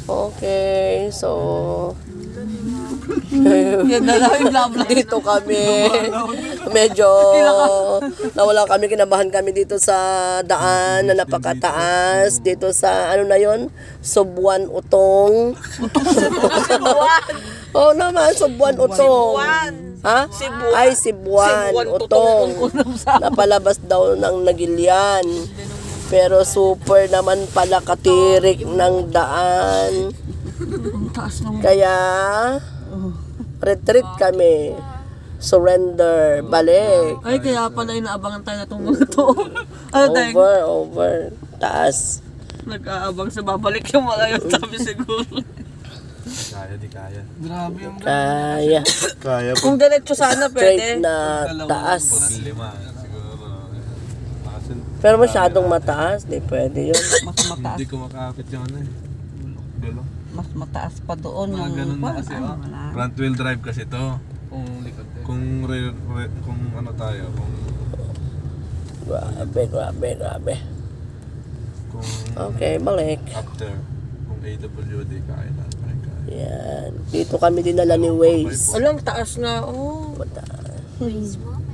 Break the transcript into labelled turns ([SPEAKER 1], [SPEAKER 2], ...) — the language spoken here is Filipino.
[SPEAKER 1] Okay, so
[SPEAKER 2] Yan na lang yung blah blah.
[SPEAKER 1] dito kami. Medyo nawala kami, kinabahan kami dito sa daan na napakataas. Dito sa ano na yon, Subuan Utong. Oo naman, Subuan Utong. Ha? Ay, Cebuan Utong. Napalabas daw ng Nagilian. Pero super naman pala katirik ng daan. Kaya retreat kami. Surrender. Balik.
[SPEAKER 2] Ay, kaya pala inaabangan tayo na itong mga to. Ano tayo?
[SPEAKER 1] Over. Taas.
[SPEAKER 2] Nag-aabang sa babalik yung mga yun, sabi siguro.
[SPEAKER 3] Kaya, di kaya.
[SPEAKER 4] Grabe yung
[SPEAKER 1] Kaya.
[SPEAKER 3] Kaya
[SPEAKER 2] Kung diretso sana
[SPEAKER 1] Straight
[SPEAKER 2] pwede.
[SPEAKER 1] na taas.
[SPEAKER 3] lima, siguro. Kasi
[SPEAKER 1] Pero masyadong mataas. Di pwede yun.
[SPEAKER 2] Mas mataas.
[SPEAKER 3] hindi ko makakapit yung ano eh. Dulo.
[SPEAKER 2] Mas mataas pa doon
[SPEAKER 3] Mga
[SPEAKER 2] yung
[SPEAKER 3] ganun na kasi.
[SPEAKER 2] ah,
[SPEAKER 3] Oh.
[SPEAKER 2] wala.
[SPEAKER 3] Front wheel drive kasi to.
[SPEAKER 4] kung likod eh.
[SPEAKER 3] Kung ano tayo, kung
[SPEAKER 1] Grabe.
[SPEAKER 3] kung
[SPEAKER 1] Okay, balik.
[SPEAKER 3] after, kung AWD, kaya na.
[SPEAKER 1] Yan. Dito kami dinala ni Waze.
[SPEAKER 2] Alam, taas na. Oh.
[SPEAKER 1] Mataas.
[SPEAKER 5] Please,